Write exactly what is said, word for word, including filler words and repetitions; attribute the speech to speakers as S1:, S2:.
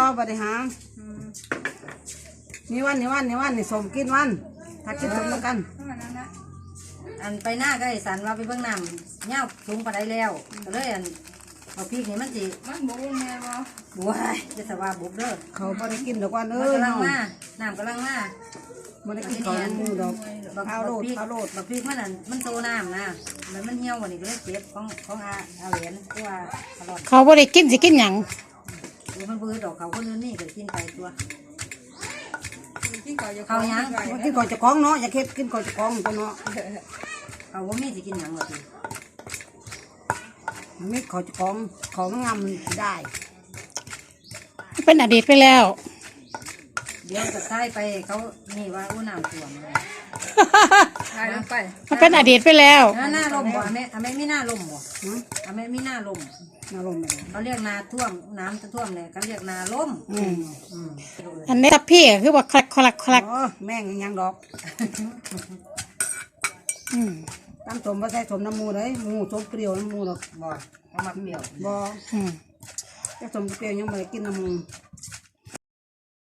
S1: บริหารนี่วันนี่วันนี่วันนี่สมกินวันถ้ากินสมแล้วกัน
S2: อันไปหน้าก็ไอ้สันว่าไปเบื้องน้ำเงี้ยสูงปานใดแล้วก็เลยอันเอาพริกนี่มันสิมันบุบแม่บ่บุบจะสว่าบุบเด้อ
S1: เขาบ่ได้กินดอกวันเอ้ย
S2: กำลังมาน้ำกำลังมา
S1: บ่ได้กินของมูดอกข้าวโลดข้าวโลด
S2: บักพริกมันอันมันโตน้ำนะแล้วมันเหี่ยววันนี้ก็เลยเจ็บของของอาอาเหรียญตัวตลอด
S3: เขาบ่ได้กินสิกินหยัง
S2: มันบื้อดอกเขาคนนึงนี่ก็กินไปตัว
S1: เขายังกินก่อนจะคล้องเนาะอย่าเค็ดกินก่อนจะคล้องตัวเนาะ
S2: เขาว่ามีสิกินหยังหรอก
S1: ไม่ขอจะคล้องของงามได้
S3: เป็นอดีตไปแล้ว
S2: เดี๋ยวจะใช้ไปเขานี่ว่าอู้น้ำท่วมใช่ลงไป
S3: มันเป็นอดีตไปแล้ว
S2: หน้าลมบ่อเมอเมไม่หน้าลมบ่อเมไม่หน้าลม
S1: นาลม
S2: เขาเรียกนาท่วมน้ำจะท่วมเลยเขาเรียกนาล่ม
S3: อันนี้ทับพี่คือว่าคลักคลักคลัก
S1: แม่งยังดอกตั้งสมว่าใส่สมน้ำมูเลยมูสมเปรี้ยวน้ำมูดอก
S2: บ่เอามาเปรี้ยว
S1: บ่จะสมเปรี้ยวยังไม่กินน้ำมู